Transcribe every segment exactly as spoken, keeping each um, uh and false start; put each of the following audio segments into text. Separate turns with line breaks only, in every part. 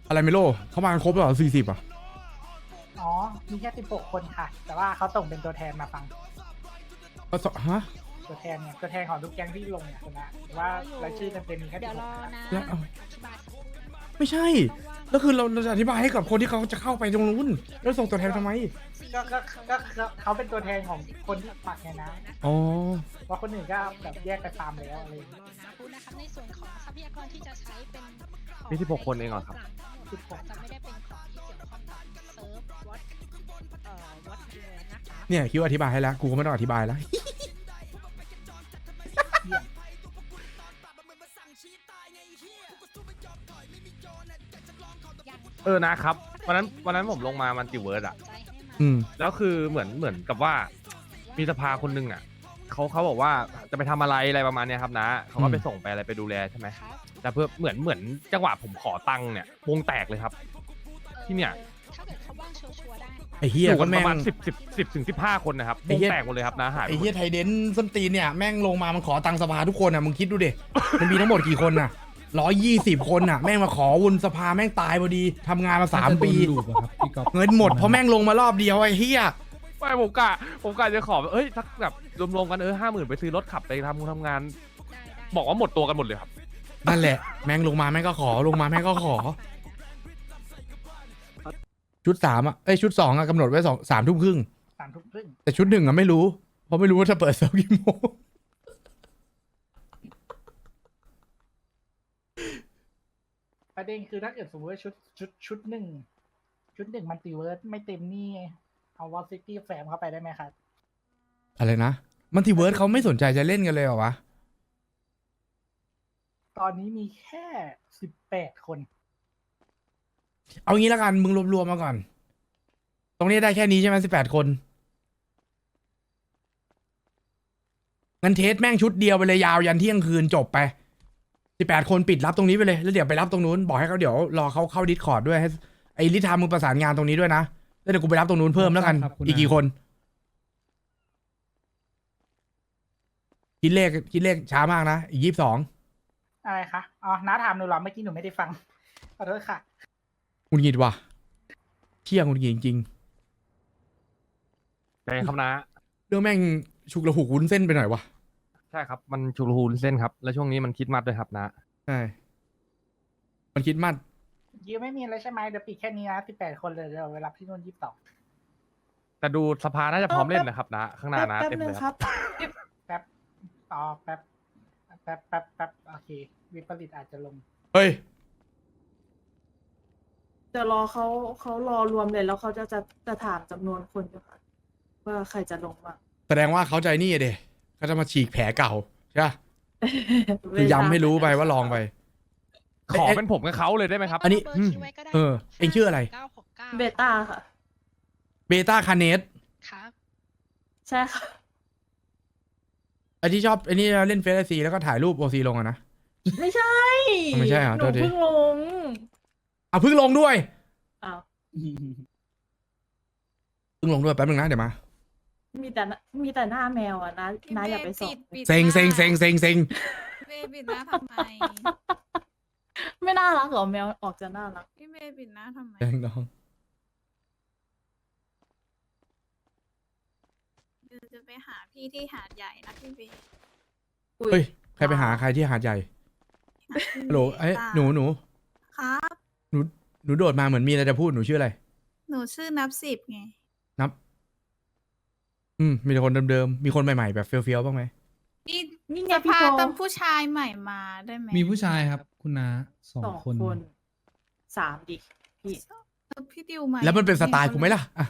อะไรไม่โลเขามากันครบแล้วเหรอสี่สิบอ่ะ
อ๋อ มีแค่สิบหกคนค่ะ แต่ว่าเขาส่งเป็นตัวแทนมาฟัง
ก็สฮะ
ตัวแทนเนี่ย ตัวแทนของทุกแก๊งที่ลงเนี่ยชนะว่ารายชื่อเต็มๆมีแค่
เดี๋
สิ
ยว
บห
ร
ก
อ
คน
นะ
แล้วเอา
อธิบาย
ไม่ใช่แล้วคือเราเราจะอธิบายให้กับคนที่เขาจะเข้าไปตรงนู้นแล้วส่งตัวแทนทำไม
ก็ก็ก็ก็เขาเป็นตัวแทนของคนที่ปักไงนะ
อ๋อ
ว่าคนอื่นก็แบบแยกไปฟาร์มแล้วอะไรอย่าง
ร
เงี้
อย นะพูดนะครับในส่วนของทรัพยากรที่จะใช้เป็นของ
มีสิบหกคนเองเหรอครับ
สิบหก
จะไม่ได้เป็นของที่เกี่ยวข้องกับเซิร์ฟวอตเอ่อวอตเรือนะคะ
เนี่ยคิดว่าอธิบายให้แล้วกูก็ไม่ต้องอธิบายแล้ว
เออนะครับวันนั้นวันนั้นผมลงมามันติเวิร์ดอะ
ใจให้มา
อืม
แล้วคือเหมือนเหมือนกับว่ามีสภาคนหนึงอะเขาเขาบอกว่าจะไปทำอะไรอะไรประมาณเนี้ยครับนะเขาก็ไปส่งไปอะไรไปดูแลใช่ไหม
ครับ
แต่เพื่อเหมือนเหมือนจังหวะผมขอตังค์เนี่ยวงแตกเลยครับ ที่เนี่ย
ถ้าเกิดเขาว่างชัวร์ๆได้
ไอ้เฮี
อย ยู่
ก็
กันป
แม่
ระมาณ
ง
สิบสิบสิบถึงสิบห้าคนนะครับ
ไอ้
วง
เหี้ย
แตกหมดเลยครับนะหายไป
ไอ้
หม
เฮีย
ด
ไทยเดนส้นตีนเนี่ยแม่งลงมามันขอตังค์สภาทุกคนอ่ะมึงคิดดูดิมันมีทั้งหมดกี่คนน่ะร้อยยี่สิบคนน่ะแม่งมาขอวุนสภาแม่งตายพอดีทำงานมาสามปี
น่จะโดนลูบอะครับพี่ก๊อฟ
เงินหมดเพราะแม่งลงมารอบเดียวไอ้เฮีย
ไม่ผมกะผมกะจะขอแบบเอ้ยสักแบบรวมๆกันเออห้าหมื่นไปซื้อรถขับไปทำงานทำงาน
ได้ได้
บอกว่าหมดตัวกันหมดเลยครับ
นั่นแหละแม่งลงมาแม่งก็ขอลงมาแม่งก็ขอ ชุดสามอ่ะเอ้ยชุดสองอ่ะกำหนดไว้สองสามทุ่มครึ่ง
สามทุ่มครึ่ง
แต่ชุดหนึ่งอ่ะไม่รู้ เพราะไม่รู้ว่าจะเปิดเซลกี่โมง
ประเด็นคือถ้าเกิดสมมติว่าชุดชุดชุดหนึ่งชุดหนึ่งมันตีเวิร์ดไม่เต็มนี่เอาวอลซิตี้แฟมเข้าไปได้ไหมครับ
อะไรนะมันทีเวิร์ดเขาไม่สนใจจะเล่นกันเลยเหรอวะ
ตอนนี้มีแค่สิบแปดคน
เอางี้แล้วกันมึงรวมๆมาก่อน ตรงนี้ได้แค่นี้ใช่ไหมสิบแปดคนงั้นเทสแม่งชุดเดียวไปเลยยาวยันเที่ยงคืนจบไปสิบแปดคนปิดรับตรงนี้ไปเลยแล้วเดี๋ยวไปรับตรงนู้นบอกให้เขาเดี๋ยวรอเขาเข้าดิสคอร์ดด้วยให้ไอ้ลิทามึงประสานงานตรงนี้ด้วยนะแล้วเดี๋ยวกูไปรับตรงนู้นเพิ่มแล้วกัน
ครับคุณ
อีกกี่คนคิดเลขคิดเลขช้ามากนะอีกยี่สิบสอง
อะไรคะ อ๋อ น้าถามหนูเหรอ เมื่อกี้หนูไม่ได้ฟัง ขอโทษค่ะ
หงุดหงิดว่ะเที่ยงหงุดหงิดจริง
ใช่ครับนะ
ๆเรื่องแม่งฉุกระหุกวุ้นเส้นไปหน่อยวะ
ใช่ครับมันชูรูนเส้นครับแล้วช่วงนี้มันคิดมัดด้วยครับนะ
ใช่มันคิดมัด
ยิวไม่มีอะไรใช่ไหมเดี๋ยวปิดแค่นี้นะสิบแปดคนเลยเดี๋ยวไปรับที่นู่นยี่สิบสอง
แต่ดูสภาน่าจะพร้อมเล่นนะครับนะ ข้างหน้านะ
แป๊บ
เต็ม
นึ
เล
ง
ย
ค
ค
รั
รับ
บ
แป๊บอ๋อแป๊บ แป๊บแป๊บแป๊บโอเค วิปริตอาจจะลง
เฮ้ย
จะรอเขาเขารอรวมเลยแล้วเขาจะจะจะถามจำนวนคนอยู่ค่ะว่าใครจะลงบ้าง
แสดงว่าเขาใจนี่อะเดเขาจะมาฉีกแผลเก่าใช่ปะคือย้ำให้รู้ไปว่าลองไป
ขอเป็นผมกับเขาเลยได้ไหมครับ
อันนี้
เบอร์คิวไว้ก็ได้
เออเอ็งชื่ออะไร
เก้าหกเก้า
เบต้าค่ะ
เบต้าคาเนส
ครับ
ใช่ค่ะ
ไอที่ชอบไอนี่เล่นเฟซไอซีแล้วก็ถ่ายรูปโอซีลงอะนะ
ไม่ใช่
ไม่ใช่เหรอ
ห
โท
นู
ษที
เพิ่งลง
อ่ะเพิ่งลงด้วย
อ้าว
เพิ่งลงด้วยแป๊บนึงนะเดี๋ยวมา
มีแต่หน้ามีแต่หน้าแมวอ่ะนะนะอย่าไปส่อง
เซ็งเซ็งเซ็งเซ็งเซ็ง
เมย์ปิดหน้าทำไม
ไม่น่ารักเหรอแมวออกจะน่ารัก
พี่เมย์ปิดหน้าทำไม
เซ็งน้อง
เดี๋ยวจะไปหาพี่ที่หาดใหญ่นะพี่เบย์
อุ๊ย
เฮ้ยใครไปหาใครที่หาดใหญ่
หาพี่
ฮัลโหลไอ้ย
ตา
หนูหนู
ครับ
หนูหนูโดดมาเหมือนมีอะไรจะพูดหนูชื่ออะไร
หนูชื่อนับสิบไง
นับ อืมมีแต่คนเดิมๆมีคนใหม่ๆแบบเฟี้ยวๆบ้างไหม
นี่
นี่ไง
จะ
พี่
พา
โจ
ตั้งผู้ชายใหม่มาได้ไหม
มีผู้ชายครับ คุณน้าสอง
สอง
คน
คนสามดิพี่
เออพี่ดิวมา
แล้วมันเป็นสไตล์กูไหมล่ะอ่ะ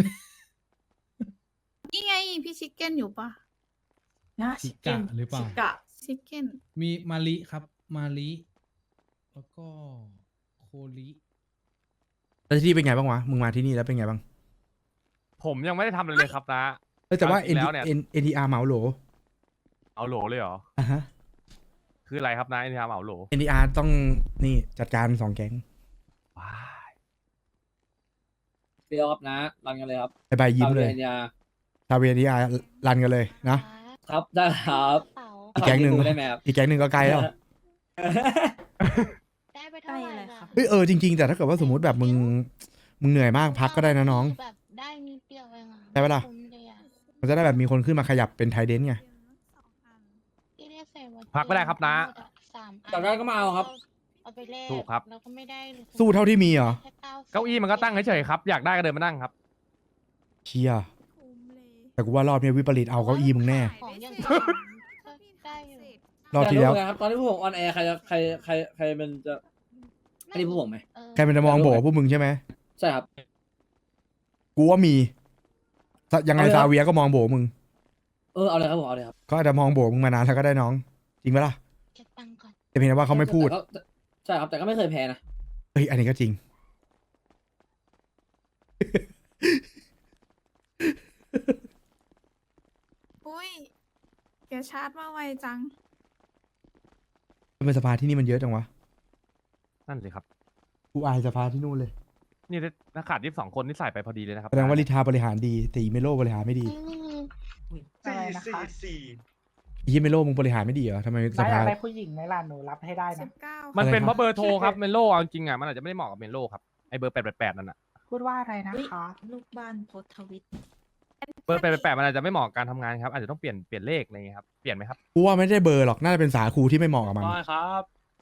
นี่ไงพี่ชิคเก้นอยู่ปะ
นะ
ชิ
เก้
กะ
น
หรือเปล่า
ชิกะ
ชิคเก้น
มีมาลิครับ มาลิแล้วก็โคลิ
แล้วที่นี่เป็นไงบ้างวะมึงมาที่นี่แล้วเป็นไงบ้าง
ผมยังไม่ได้ทำอะไรเลยครับนะ
เอ้ยแต่ว่า
จริงๆแล้วเนี่ย
N N T R เหมาโหล
เอาโหลเลยเหรอ
อ่ะฮะ
คืออะไรครับนะไอ้ที่ทำเอาโหล
N T R ต้องนี่จัดการสองแก๊ง
ว้าย
เดียวครับนะรันกันเลยครับ
ไปไปยิ้มเลย
ตาวียา
ชาวเวียนทีอาร์รันกันเลยนะ
ครับได้ครับ
เป๋า
อีกแก๊งหนึ่ง
ขอดูได้ไหมครับ
อีกแก๊งหนึ่งก็ไกลแล้ว
ได้เบไปเท่าไหร่ล่ะ
เฮ้ยเออจริงๆแต่ถ้าเกิดว่าสมมติแบบมึงมึงเหนื่อยมากพักก็ได้นะน้อง
แบบได้นิดเดียวเองอะ
ได้ปะล่ะ
คุ้มเลยอะ
มันจะได้แบบมีคนขึ้นมาขยับเป็นไทเดนไง
ที่เรียกใส่วัด
พักไม่ได้ครับนะ
สามอัน
จับได้ก็มาเอาครับ
เอาไปแลก
ถูกครับ
แล้วก็ไม่ได้
สู้เท่าที่มีเหรอ
แค่เก้าสิบ
เก้าอี้มันก็ตั้งเฉยๆครับ อยากได้ก็เดินมานั่งครับ
เชีย
คุ้มเลย
แต่กูว่ารอบนี้วิปริตเอาเก้าอี้มึงแน่
ของอย่าง
ได้
อื่น
ก็
ก็ได้อยู่
รอบที่แล้ว
อยากรู้ไงครับตอนที่พวกผมออนแอร์ใครจะใครใครใครมันจะให้ดีพวกผมไหม
เออ
ใครมันจะมองโบพวกมึงใช่ไหม
ใช่ครับ
กูว่ามีสยังไง
เอาเลยค
ซา
รับ
เวียก็มองโบมึง
เออเอาเลยครับผมเอาเลยครับ
ก็อาจจะมองโบมึงมานานแล้วก็ได้น้อง จริงปะล่ะ
เก็บตังค์ก่อน
แต่เพียงแต่ว่าเขาไม่พูด
แต่ก็ใช่ครับแต่ก็ไม่เคยแพ้นะ
เฮ้ยอันนี้ก็จริง
อุ้ยแกชาร์จมาไวจัง
ทำไมสภาที่นี่มันเยอะจังวะ
นั่นสิครับ
กูอายสภาที่นู่นเลย
นี่ถ้าขาดยี่สิบสองคนนี่ใส่ไปพอดีเลยนะครับ
แสดงว่าลิทาบริหารดีแต่อีเมโลบริหารไม่ดี
อืม
อะไรนะคะ
อีเมโลมึงบริหารไม่ดีเหรอทำไมส
น้าอยา
ภาก
ได้ผู้หญิงไหมล่ะหนูรับให้ได้
สิ
นะ
บเก้า
มันเป็น
อะไรครับ
เพราะเบอร์โทรครับเมนโลเอาจริงๆอ่ะมันอาจจะไม่ได้เหมาะกับเมนโลครับไอเบอร์แปดแปดแปดนั่นอ่ะ
พูดว่าอะไรนะคะ
ลูกบ้านโพสต์ทวิต
เบอร์แปดแปดแปดมันอาจจะไม่เหมาะกับการทำงานครับอาจจะต้องเปลี่ยนเปลี่ยนเลขอะไรเงี้ยครับเปลี่ยนไหมครับ
กูว่าไม่ได้เบอร์หรอกน่าจะเป็นสาคูที่ไม่เหมาะกับมัน
ได้ครับ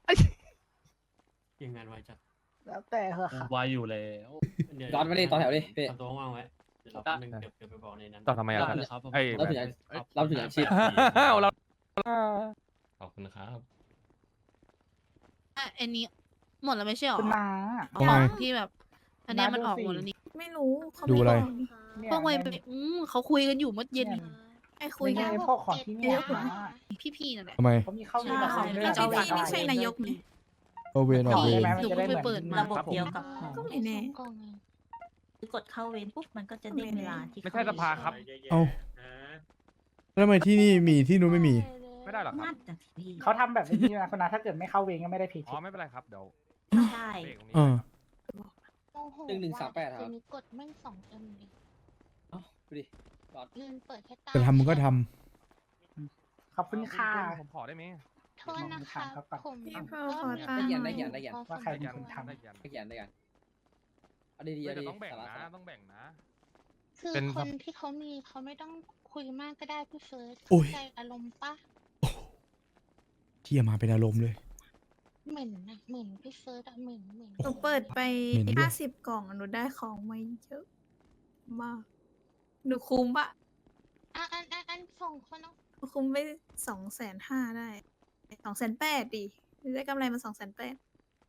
ยังงานไวจัด
แล้วแต่เหอะค่ะ
ไวอยู่แล้วเดี๋ยว
ย้อนมาดิต่อแถวดิพี่
ทำตัวว่างๆไว้เดี๋ยวเราแป๊บนึงเดี๋ยวเดี๋ยวไปบอกในนั้น
ต่อทำไมอะ
ด้เลยครับผม
ไอ้
เราถึงจะเราถึงอาชีพ
เรา
ขอบคุณครับ
อ่ะอันนี้หมดแล้วไม่ใช่หรอ
คุณน้า
ทำไม
ที่แบบ อันเนี้ยมันออกหมดแล้วนี่
ไม่รู้เขา
ดู
ไม่
อะไร
บอกนี่
เนี่ย
พวกไวไปอืมเขาคุยกันอยู่เมื่อเย็น
เนี่ย
ไอ้คุย
ไม่
กั
ใช่
น
พวกของที่เนี่ย
เยอะ
นะ
พี่ๆนั่นแหละ
ทำไม
เขามีเข้า
ใช่
มาของ
พี่
เรื่อง
พี่ไม่ใช่นายกนี่
โอเวนออกเว
ได้
น
ไหม
หนู
มันจะได้
เพิ่ง
เหมือน
ไปเปิดมา
ระบบเดียวกับหมอ
ก็ไม่แน่
สองกล่องเอง
กดเข้าเวรปุ๊บมันก็จะเด้งเวลาที่
ไม่ใช่สภาครับ
เอ้า แล้วทำไมที่นี่มีที่นู้นไม่มี
ไม่ได้หรอกครับ
นั่นแต่ที่
เขาทำแบบนี้นะคุณน้าถ้าเกิดไม่เข้าเวรก็ไม่ได้ผิด
อ๋อไม่เป็นไรครับเดี๋ยว
ใช่
เลขตรงนี้
เออ
โอ้โห
หนึ่งหนึ่งสามแปดครับ
คืนนี้กดแม่งสองเอ็มเลย
เอ้าดูดิบอส
เงินเปิดแค่ตา
จะทำมึงก็ท
ขอบคุณค่ะ
ผมขอได้ไหม
โทษนะคะ
ครับครับ
ผม
พี่
ก็
เพิ่มขอตัง
ได้
ค์
เขียน
หน่
ได้
อย
เขียนได้เขียน
ว่าใคร
ได้
เป็น
ยั
คน
ได้
ทำ
ยัน
ได้เขียนได้กันเอาดีๆ
เฮ้ย
เอา
แต่
ดี
ต้องแบ่ง
สาระ
นะ
สาระ
ต้องแบ่งนะ
คือ
เป็น
คนที่เขามีเขาไม่ต้องคุยมากก็ได้พี่เฟิร์ส
โอ้ย
เข้าใจอารมณ์ปะ
ำที่มาเป็นอารมณ์เลย
เหมือนนะเหมือนพี่เฟิร์สอะเหมือนเหมือน
หนูเปิดไป
เหม็นด้วย
ห้าสิบกล่องหนูได้ของมาเยอะมากหนูคุ้มปะ
อ่ะอันอันอันส่งคนเอา
หนูคุ้มไปสองแสนห้าได้สองแสนแปดดิได้กำไรมาสองแสนแปด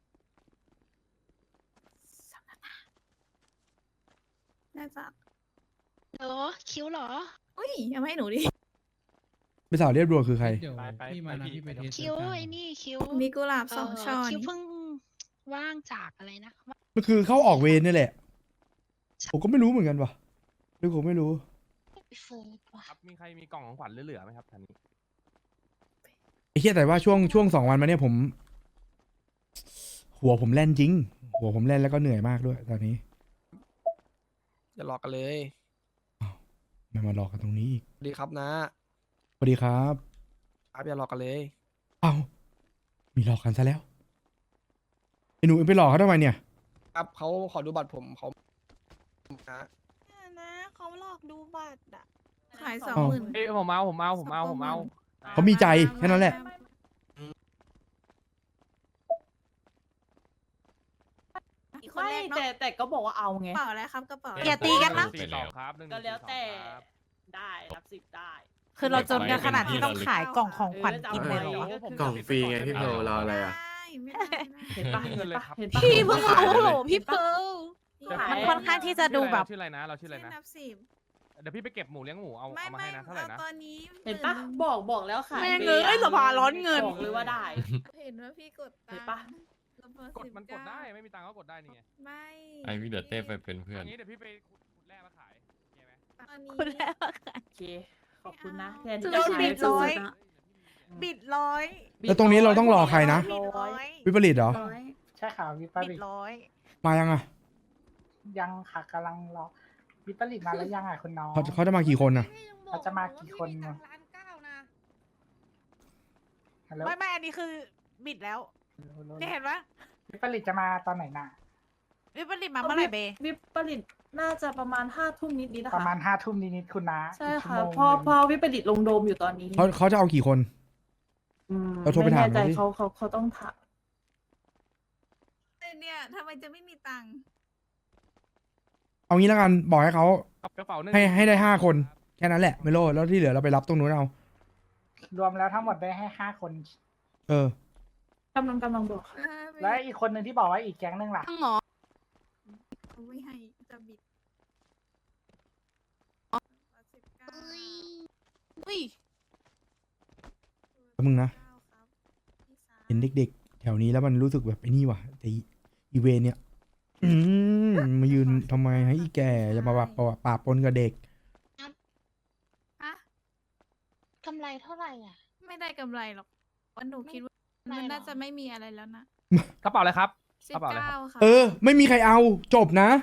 น่าจะ
เหรอคิ้วเหรอ
อุ้ยเอามาให้หนูดิ
ไม่สาวเรียบรวมคือใคร
เดี๋ยว
ไปไป
พี่มานะ
ไป
พี่ไป
ไป
เทส
คิ้ว
กัน
ไอ้นี่คิ้ว
มีกุหลาบสอง
เ
ช่อ
คิ้ว
นี่
เพิ่งว่างจากอะไรนะ
มันคือเข้าออกเวรนี่แหละ ผมก็ไม่รู้เหมือนกันว่ะหรือผมไม่รู้
พี่เฟิร์สว่ะ
ครับมีใครมีกล่องของขวัญเหลือๆไหมครับท่านนี้
ไอ้เหี้ยแต่ว่าช่วงช่วงสองวันมาเนี่ยผม หัวผมแล่นจริง หัวผมแล่นแล้วก็เหนื่อยมากด้วย ตอนนี้
อย่าหลอกกันเลย
ไม่มาหลอกกันตรงนี้อีก
สวัสดีครับนะ
สวัสดีครับ
ครับอย่าหลอกกันเลย
เอ้ามีหลอกกันซะแล้วไอ้หนูไปหลอกเขาทำไมเนี่ย
ครับเขาขอดูบัตรผมเขานะ
นะเขาหลอกดูบัตรอะ
ขายสอง
อ๋อ
หมื่น
เอ้ยผมเอาผมเอาผมเอาผมเอา
เขามีใจแค่นั้นแหละ
อีกคน
ไม่
แรกเนาะ
แต่แต่ก็บอกว่าเอาไง
กระเป๋าอะไรครับกระเป๋าอะไร
อย่าตีกันนะ
สี่สองครับหนึ่งห
ก็
นึ่ง
แล้ว
สี่สอง
แต่
ครับ
ได้รับสิบได้
คือเราจนกันขนาดที่ต้องขายกล่องของขวัญกินเลยเหรอ
กล่องฟรีไงพี่เพลรออะไรอ่ะ
ไม่ได้ไม่ได้
เห็นปะ
เงินเลยครับ
เห็นปะ
พี่เพิ่ง
ขาย
รู้
เลย
โหลพี่เพิร์ล
มันค่อนข้างที่จะดูแบบ
ชื่ออะไรนะเราชื่ออะไรนะ
นับสิบ
เดี๋ยวพี่ไปเก็บหมูเลี้ยงหมูเอา
ไม่
เอามา
ไม่
ให้นะเท่าไหร่
เอา
นะ
ตอนนี้
เห็นปะ
มื่
บอกบอกแล้วขาย
แม่ง
ฟ
เอ้ย
อะ
สภาร้อนเงิน
บอกเลยว่าได้
เห็นว่าพี่กดตั
เห็
ง
น
ค์
ปะ
แล้วพอก
ดมันกด
สิบเา
ได้ไม่มีตังค์ก็กดได้นี่ไง
ไม่
ไอวิเดอร์เต้ไปเป็นเพื่อน
อันนี้เดี๋ยวพี่ไปขุดขุดแร่มาขายโอเคไหม
ตอนนี้
คุณแล้วอะค่ะ
โอเค ขอบคุณนะแทน
จะ
ที่
โดน
จะขาย
บิดร้อย
สุดๆนะ
บิดร้อย
แล้วตรงนี้เราต้องรอใครนะ
บิดร้อย
วิปริตเหรอ
ร้อย
ใช่ค่ะวิป
บิ
ริ
ด
ต
ร้อย
มายังอ่ะ
ยังค่ะกำลังรอวิปริตมาแล้วยังอ่ะคุณน้อง
เขาเขาจะมากี่คนอ่ะ
เขาจะมากี่คนนะฮัลโหล
ไม่ไม่อันนี้คือบิดแล้วนี่เห็นปะ
วิปริตจะมาตอนไหนน่ะ
วิปริตมาเมื่อไหร่เบ
วิปริตน่าจะประมาณห้าทุ่มนิดนิดๆนะคะ
ประมาณห้าทุ่มนิดๆคุณนะ
ใช่
อีก
ค่ะ
ชั่วโมง
พอ
หนึ่ง
พอวิปริตลงโดมอยู่ตอนนี้
เขาเขาจะเอากี่คน
อืม
เราโทรไป
ไม่
ถาม
แน่ใจ
เขาดิ
เขาเขาเขาต้องถาม
เนี่ยทำไมจะไม่มีตังค์
เอางี้แล้วกันบอกให้เขา
กระเป๋าหนึ่ง
ให้ให้ได้ห้าคนแค่นั้นแหละไม่โลดแล้วที่เหลือเราไปรับตรงนู้นเอา
รวมแล้วทั้งหมดได้ให้ห้าคน
เออ
กำลังกำลังบอกค่ะ
แล้วอีกคนหนึ่งที่บอกว่าอีกแก๊งหนึงล่ะ
ทั้งหมอ
เขาไม่ให้จะบิด
อุ้ย
แป๊บนึงนะ เห็นเด็กๆ แถวนี้แล้วมันรู้สึกแบบไอ้นี่ว่ะแต่อีอีเวนเนี่ย อืมมายืนทำไมให้อีแก่จะมาแบบปะปนกับเด็ก
อะ
กำไรเท่าไหร่อ่ะ
ไม่ได้กำไรหรอกวันหนูคิดว่า
ไม่
มัน
หรอ
น่าจะไม่มีอะไรแล้วนะ
กระเป๋าอะไรครับ
สิ
ก
บ
ระเป๋าอะไรค
เก้า
รับ
ค่ะ
เออ ไม่มีใครเอาจบนะ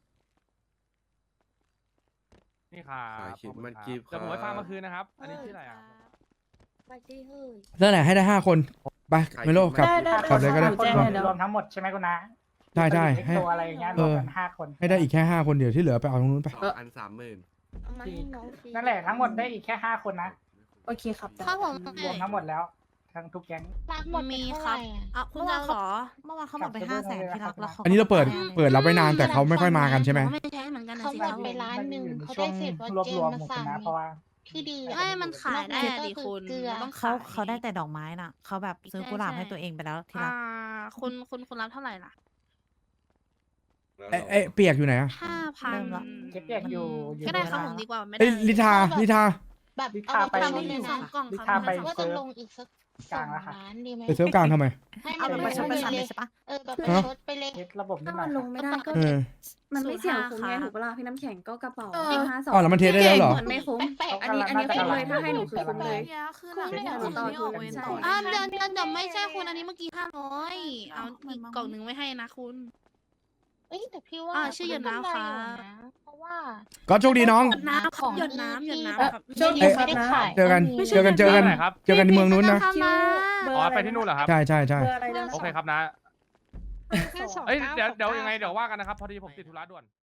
นี่ครับ
ขายคิด
ขอบคุณ
มัน
ครับ
กีบ
เดี๋ยวผมไป
ครับ
ฟังเมื่อคืนนะครับ อันนี้ชื่ออะไรอ่ะ
ไปที่เฮ้ย
นั่นแหละให้ได้ห้าคนไปเมโลกลับ
ได้ได้
กลับเลยก็ได้
หนูแจ้งให้แล้ว
รวมทั้งหมดใช่ไหมคุณนะ
ใช่ใช่
วิปริต
ให้
เอ็กโซอะไรอย่างเงี้ยร
เอ
วม
อ
กันห้าคน
ให้ได้อีกแค่ห้าคนเดี๋ยวที่เหลือไปเอาตรงนู้นไป
สองอันสามหมื่น
เอามาให้น้องฟรี
นั่นแหละทั้งหมดได้อีกแค่ห้าคนนะ
โอเคครับได้
ครับผม
รวมทั้งหมดแล้ว ทั้งทุกแก๊ง
รักหมด
มี
มี
ครับ
อ่ะ
อ่ะคุณจะเหรอ เมื่อวานเขาหมดไป
กลับ
ห้า
ไป
แสน
เรื่อยๆ
ที่รัก
ครับ
แล้วเขา
อันนี้เราเปิด
ก็
เปิดรับไว้นานแต่เขาไม่ค่อยมากันใช่ไหม
ไม่ใช่เหมือนกันนะ
เขา
สิ
หม
ครั
ด
บ
ไปล้านหนึ่ง
มันอยู่ใน
เขา
ช่ว
ได้
ง
เศษวั
รวบ
เจ
รวม
มา
หมด
สั่ง
นะเพราะว่า
ที่ดี
ไม่มันขายได้
น
อะ
อก
ดิ
นั้นก็
คุณ
เกลือ
มันต้อง
เขา
เขาเขาได้แต่ดอกไม้น่ะเขาแบบซื้อกุหลาบให้ตัวเองไปแล้วที่รัก
คุณคุณคุณรับเท่าไหร่ล่ะ
เอ้ยเอ้ยเปียกอยู่ไหนอะ
ห้าพัน
เริ่มละ
เก็บเปียกอยู่อยู่
ก็ได้
ใน
ครับ
ร้าน
ผมดีกว่าไม่ได้
เอ้ยลิทาลิทา
แบบ
ลิ
เอา
ทา
ไป
ไป
ทำให้เลย
สอ
นะ
งกล่อง
ลิ
ครับ
ทาไป
ว่าจะลงอีกสัก
กลางแล้วค่ะ
ล้านดีไหม
ไปเซิร์ฟกลางทำไม
ให้
เอา
มัน
ไป
ล
ช
ง
ด
ไป
ไป
เล
เลย
ย
ใช่ปะ
เออแบบ
ฮะ
ชดไปเลย
เช็ดระบบนิดหน่อย
มันลงไม่ได้ก็
เออ
มันไม่เสียงคุ้มไง
ค่ะ
ถูกปะล่ะพี่น้ำแข็งก็กระเป๋า
เออ
ให้ห้าสอง
อ๋อแล้วมันเทสได้แล้วเหรอ
มันไม่คุ้ม
แปลกๆ
อันนี้อันนี้คุ้มเลยถ้าให้หนูคือคุ้มเลย
เนี่ยคือหลัง
คุ้มเลยเหรอ
จากที่ออกเวรต่อ
อ่าเดือนเดือนเดี๋ยวไม่ใช่คุณอันนี้เมื่อกี้ห้าร้อยเอา
มัน
อีก
มา
กล่องหนึ่งไว้ให้นะคุณ เอ้ยแต่พี่ว่า
อ่าชื่อหยดน้ำค่ะ
เพราะว่า
ก็โชคดีน้อง
หยดน้ำครับหยดน้ำหยดน้ำครับ
โชคดีครับนะ
เจอกัน เจอกันเจอกัน
ไหนครับ
เจอกันในเมืองนู้นนะ
คิวเบอร์
อ๋อ
อะไร
ไปที่นู่นเหรอครับ
ใช่ใช่ใช่
เบอร์อะไรนะ
โอเคครับนะ
สอง
เอ้ยเดี๋ยวเดี๋ยวยังไงเดี๋ยวว่ากันนะครับ พอดีผมติดธุระด่วน